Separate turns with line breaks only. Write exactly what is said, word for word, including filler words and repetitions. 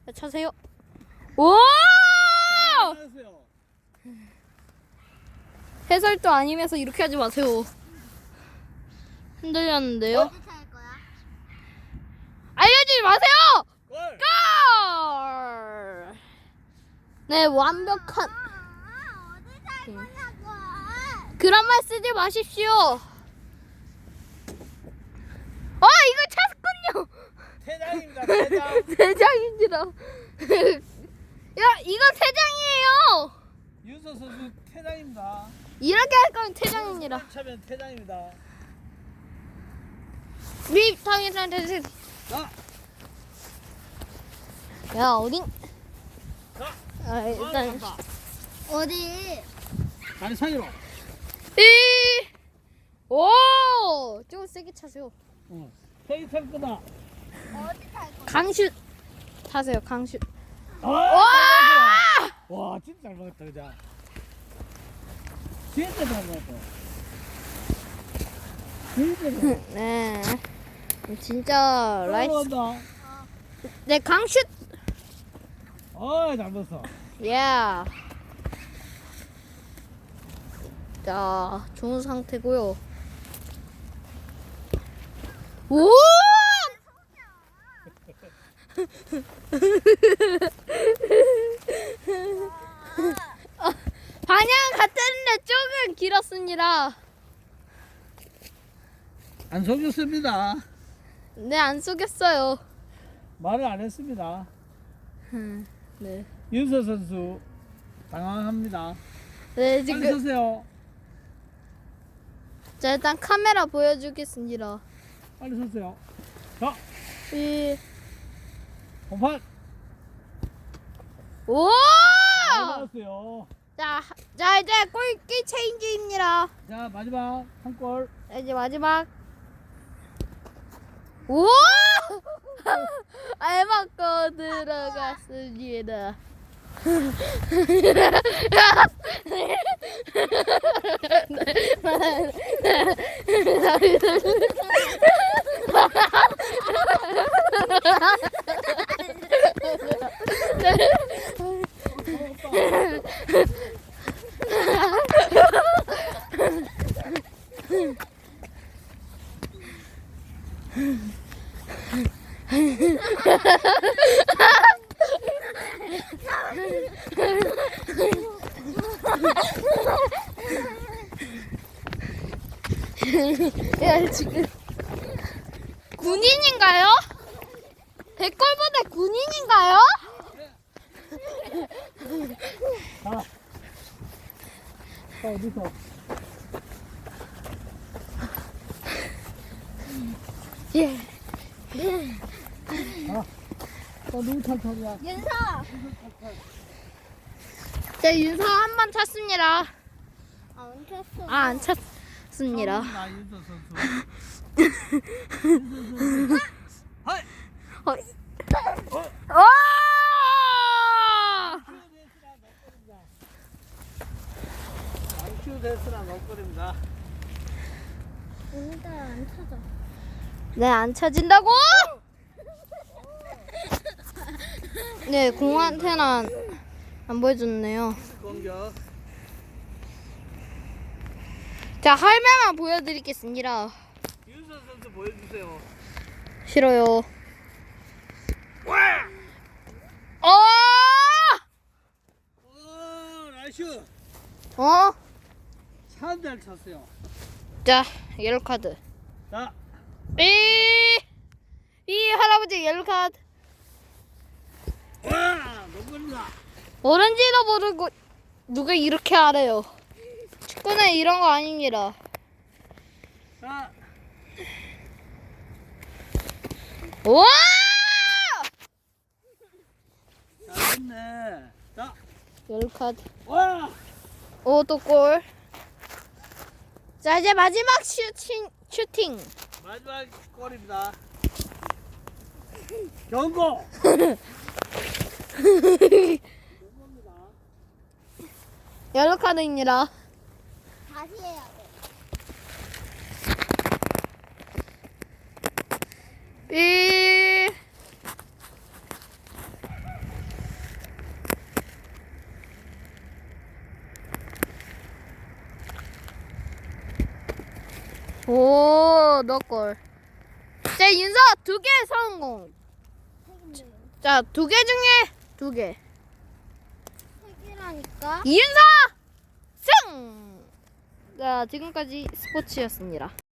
자, 차세요. 오!
잘하세요.
해설도 아니면서 이렇게 하지 마세요. 흔들렸는데요.
어디 찰 거야?
알려주지 마세요!
골.
골! 네, 완벽한.
아, 어디 찰
응.
거냐고.
그런 말 쓰지 마십시오. 아, 이거 찼군요.
퇴장입니다. 퇴장.
대장입니다. 야, 이거 퇴장이에요.
윤서 선수 퇴장입니다.
이렇게 할 거면 퇴장입니다.
차면 퇴장입니다.
립 당해서 대신.
자,
야, 어딘?
자,
아, 일단.
간다.
어디?
다리 사이로.
이. 오! 조금 세게 차세요.
응. 세게 탈 거다.
어디 찰 거야?
강슛 타세요. 강슛.
와! 와, 진짜 잘 먹었다, 그죠? 진짜 잘 먹었다. 진짜 잘 먹었다.
네. 진짜 라이스.
올라간다.
네, 강슛.
어, 잘 먹었어.
예. 자, 좋은 상태고요. 오! 어, 방향 같았는데 조금 길었습니다.
안 속였습니다.
네, 안 속였어요.
말을 안 했습니다.
음, 네.
윤서 선수 당황합니다.
네,
빨리
지금
서세요.
자, 일단 카메라 보여주겠습니다.
빨리 서세요. 자,
이,
공판.
오!
잘 나왔어요.
자, 자 이제 골키 체인지입니다.
자, 마지막 한 골.
자, 이제 마지막. 오! 알맞고 들어갔습니다. 야, 지금 군인인가요? 백골부대 군인인가요?
자, 자 어디서?
예.
자, 또 누구 탈탈이야?
윤서.
자, 윤서 한 번 찼습니다.
아, 엉켰어.
아, 안 찼습니다.
나 윤서 선수. 윤서 선수. 하이.
어. 어!
큐 데스랑 먹거리입니다.
오늘따라 안 찾아.
네, 안 차진다고? 네, 공한테는 안 보여줬네요.
공격.
자, 할매만 보여드리겠습니다.
윤서 선수 보여주세요.
싫어요.
와!
어!
오, 나이스.
어?
참 잘 쳤어요.
자, 옐로 카드.
자,
이, 이 할아버지 옐로 카드.
와, 먹거리다.
모른지도 모르고 누가 이렇게 하래요. 축구는 이런 거 아닙니다.
자,
와!
잘했네. 자,
옐로 카드.
와,
오, 또 골. 자, 이제 마지막 슈팅, 슈팅.
마지막 골입니다. 경고.
옐로 카드입니다.
다시 해야 돼.
삐. 오, 너 걸. 자, 윤서 두 개 성공.
세 개인데요.
자, 두 개 중에 두 개.
세 개라니까.
이윤서 승! 자, 지금까지 스포츠였습니다.